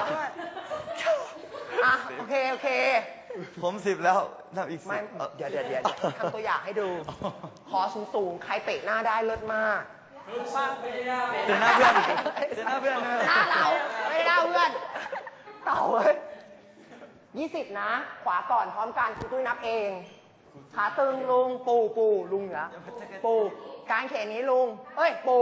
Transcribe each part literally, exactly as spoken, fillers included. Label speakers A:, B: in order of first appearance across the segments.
A: อ่ะโอเคโอเค
B: ผมสิบแล้วนับอีกสิบ
A: ไม่เดี๋ยวเดี๋ยวเดี๋ยวทำตัวอย่างให้ดูคอสูงสูงใครเตะหน้าได้เลิศมาก
B: เจอหน้าเพื่อนเจอหน้าเพื่อน
A: หน้าเราไม่หน้าเพื่อนเต่าเว้ยยี่สิบนะขวาก่อนพร้อมกันคุณตุ้ยนับเองขาตึงลุงปูปูลุงเหรอปูการเขนนี้ลุงเอ้ยปู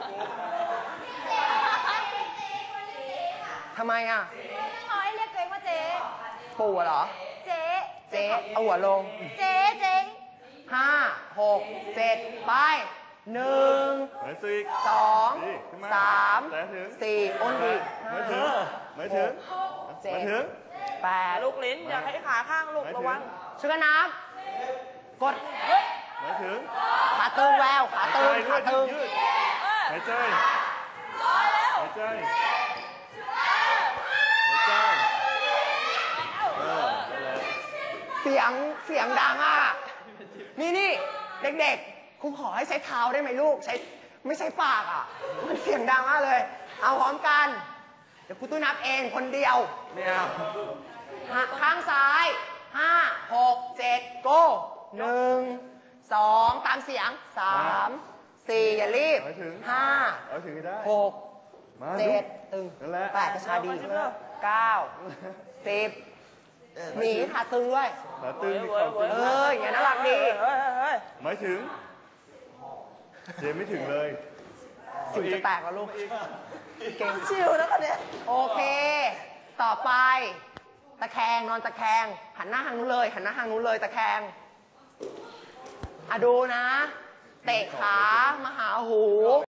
A: ทำไมอ่ะ
C: น้อยเรียกตัวเองว่าเจ๊
A: ปูเหรอ
C: เจ๊
A: เจ๊เอาหัวลง
C: เจ๊เจ๊
A: ห้าหกเจ็ดไปหนึ่งสองสามสี่อ้นดีห้าไม่ถึงเจ็ดแปด
D: ลูกลิ้นอย่าให้ขาข้างลูกระวัง
A: ช่วยกันนับกดไม่ถึงขาตึงแววขาตึงขาตึง
E: หายใจหายใจหายใจ
A: เสียงเสียงดังอ่ะนี่นี่เด็กๆครูขอให้ใช้เท้าได้ไหมลูกใช้ไม่ใช่ปากอ่ะมันเสียงดังมากเลยเอาพร้อมกันเดี๋ยวครูตุ้ยนับเองคนเดียวเนี่ยข้างซ้ายห้าหกเจ็ดโก้หนึ่งสองตามเสียงสามสี่อย่ารีบห้าหกเจ็ดตึงแปดกระชาดีเก้าสิบหนีขาตึงด้วย
E: ขาตึง
A: เอออย่างน่ารักดี
E: ไม่ถึงเจไม่ถึงเลย
A: สิวจะแตกแล้วลูก
D: เก่งชิวแล้วกันเนี่ย
A: โอเคต่อไปตะแคงนอนตะแคงหันหน้าทางนู้นเลยหันหน้าทางนู้นเลยตะแคงอ่ะดูนะเตะขามาหาหู